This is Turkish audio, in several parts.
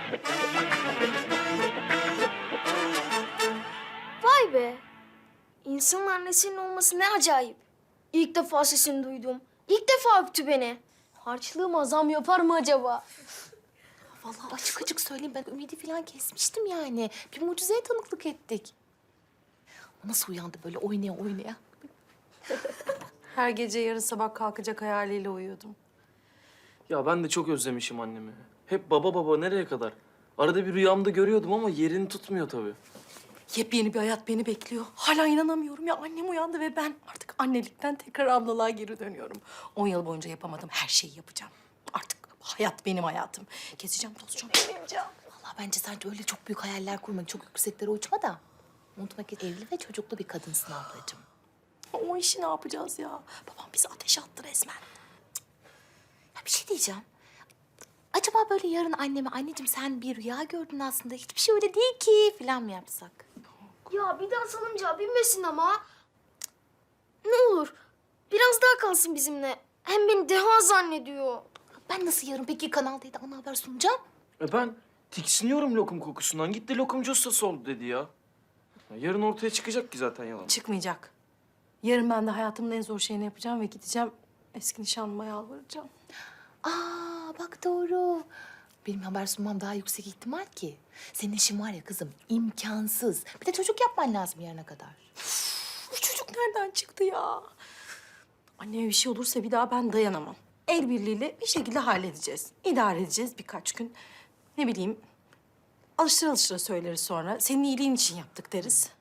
Vay be. İnsanın annesinin olması ne acayip. İlk defa sesini duydum. İlk defa öptü beni. Harçlığıma zam yapar mı acaba? Vallahi açık açık söyleyeyim, ben ümidi falan kesmiştim yani. Bir mucizeye tanıklık ettik. O nasıl uyandı böyle oynaya oynaya? Her gece yarın sabah kalkacak hayaliyle uyuyordum. Ya ben de çok özlemişim annemi. Hep baba baba nereye kadar? Arada bir rüyamda görüyordum ama yerini tutmuyor tabii. Yepyeni bir hayat beni bekliyor. Hala inanamıyorum ya. Annem uyandı ve ben artık annelikten tekrar ablalığa geri dönüyorum. 10 yıl boyunca yapamadığım her şeyi yapacağım. Artık hayat benim hayatım. Gezeceğim, tozacağım, evleneceğim. Vallahi bence sen öyle çok büyük hayaller kurma. Çok yükseklere uçma da. Unutma ki evli ve çocuklu bir kadınsın ablacığım. O işi ne yapacağız ya? Babam bizi ateşe attı resmen. Ya bir şey diyeceğim. Acaba böyle yarın anneme, anneciğim sen bir rüya gördün aslında. Hiçbir şey öyle değil ki falan mı yapsak? Ya bir daha salıncağa binmesin ama. Cık, ne olur biraz daha kalsın bizimle. Hem beni deha zannediyor. Ben nasıl yarın peki Kanal D'de ana haber sunacağım? Ben tiksiniyorum lokum kokusundan. Gitti lokumcu ustası oldu dedi ya. Yarın ortaya çıkacak ki zaten yalan. Çıkmayacak. Yarın ben de hayatımın en zor şeyini yapacağım ve gideceğim eski nişanlıma yalvaracağım. Aa bak doğru. Benim haber sunmam daha yüksek ihtimal ki. Senin işin var ya kızım, imkansız. Bir de çocuk yapman lazım yarına kadar. Bu çocuk nereden çıktı ya? Anneme bir şey olursa bir daha ben dayanamam. El birliğiyle bir şekilde halledeceğiz. İdare edeceğiz birkaç gün. Ne bileyim, alıştıra alıştıra söyleriz sonra. Senin iyiliğin için yaptık deriz.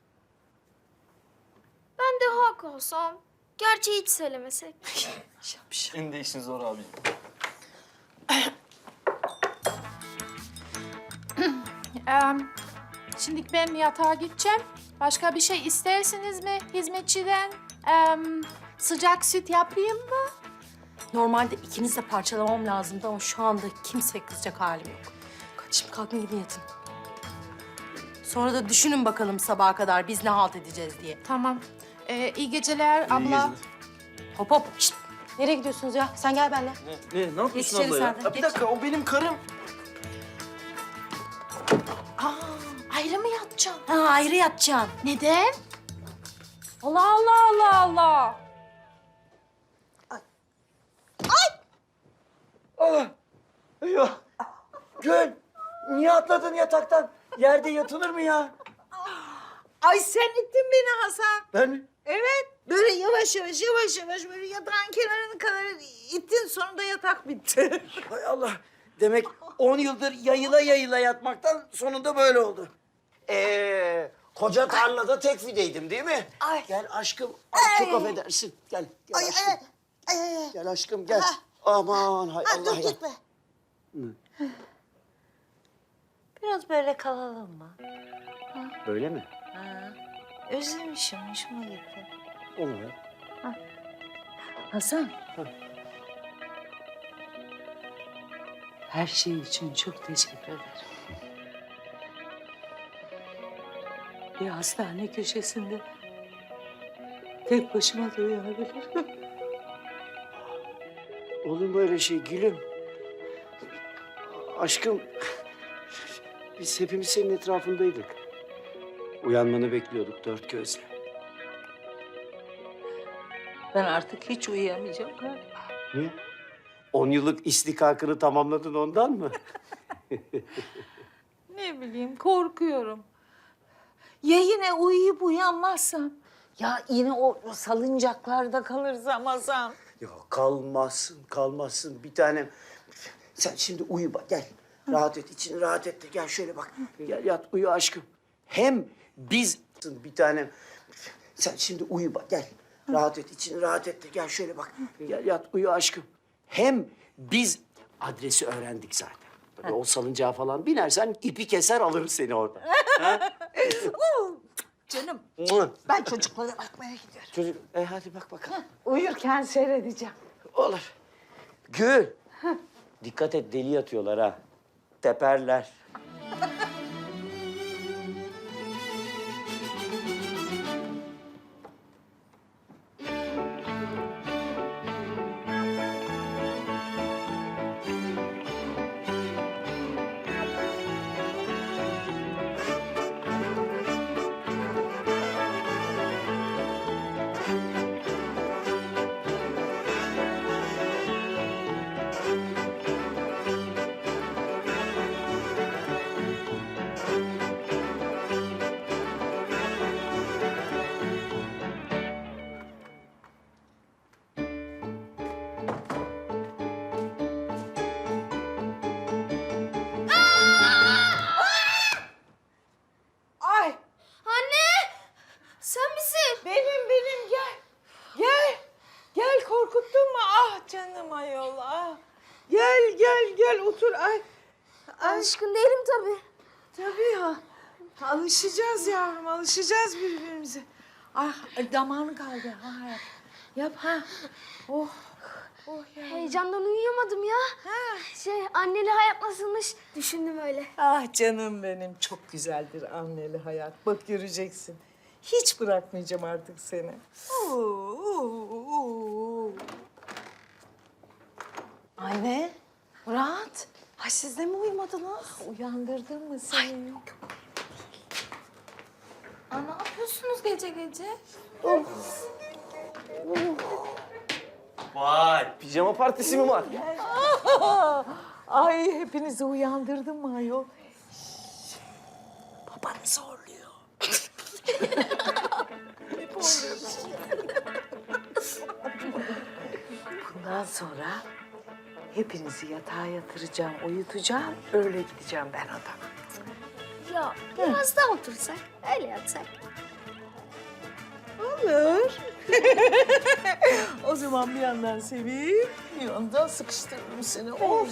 Ben deha kalsam. Gerçeği hiç söylemesek. Şapş. Senin de işin zor abi. Şimdi ben yatağa gideceğim. Başka bir şey istersiniz mi hizmetçiden? Sıcak süt yapayım mı? Normalde ikiniz de parçalamam lazımdı ama şu anda kimseye kızacak halim yok. Kaçayım kalkın gidin yatın. Sonra da düşünün bakalım sabaha kadar biz ne halt edeceğiz diye. Tamam. İyi geceler abla. Hop hop. Şişt. Nereye gidiyorsunuz ya? Sen gel benimle. Ne yapıyorsun Geç içeri abla ya? sen de, Ya bir geç. dakika o benim karım. Ayrı mı yatacağım? Ha, ayrı yatacaksın. Neden? Allah Allah Allah Allah. Ya Gül, niye atladın yataktan? Yerde yatılır mı ya? Ay sen ittin beni Hasan. Ben mi? Evet. Böyle yavaş yavaş böyle yatağın kenarına kadar ittin, sonunda yatak bitti. Hay Allah. Demek 10 yıldır yayıla yayıla yatmaktan sonunda böyle oldu. Koca tarlada tek fideydim değil mi? Ay. Gel aşkım. Ay, çok affedersin. Gel aşkım. Ay. Gel aşkım gel. Aman hay Allah Dur ya. gitme. Biraz böyle kalalım mı? Böyle mi? Ha. Özlemişim, hoşuma gitti. Olur. Hasan. Her şey için çok teşekkür ederim. Bir hastane köşesinde tek başıma da uyuyabilirim. Olur mu öyle şey gülüm? Aşkım, biz hepimiz senin etrafındaydık. Uyanmanı bekliyorduk dört gözle. Ben artık hiç uyuyamayacağım galiba. Niye? 10 yıllık istikakını tamamladın ondan mı? Ne bileyim, korkuyorum. Ya yine uyuyup uyanmazsam? Ya yine o salıncaklarda kalırsam Hasan? Yok kalmazsın bir tanem. Sen şimdi uyu bak gel. Rahat et, için rahat et de gel şöyle bak. Gel yat uyu aşkım. Hem biz bir tanem. Sen şimdi uyu bak gel. Rahat et, için rahat et de gel şöyle bak. Gel yat uyu aşkım. Hem biz adresi öğrendik zaten. Böyle o salıncağa falan binersen ipi keser alırız seni orada. Canım, Mua. ben çocuklara bakmaya gidiyorum. Çocuk, hadi bak bakalım. Uyurken seyredeceğim. Olur. Gül. Dikkat et deli yatıyorlar ha. Teperler. Alışkın değilim tabii. Tabii ya. Alışacağız yavrum, alışacağız birbirimize. Ah, damağını kaldı. Ha, yap ha. Oh, oh ya. Heyecandan uyuyamadım ya. Anneli hayat nasılmış düşündüm öyle. Ah canım benim, çok güzeldir anneli hayat. Bak göreceksin. Hiç bırakmayacağım artık seni. Anne, Murat. Ay siz de mi uyumadınız? Uyandırdın mı seni? Aa, ne yapıyorsunuz gece gece? Vay, pijama partisi mi var? Ay hepinizi uyandırdım mı ayol? Babanı zorluyor. Bundan sonra hepinizi yatağa yatıracağım, uyutacağım. Öyle gideceğim ben odama. Ya biraz daha otursak, öyle yatsak. Olur. O zaman bir yandan seveyim, bir yandan sıkıştırırım seni. Of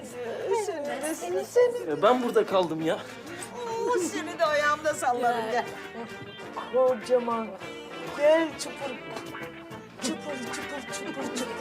seni. Ya ben burada kaldım ya. Seni de ayağımda sallarım gel. Kocaman. Gel çupur. Çupur.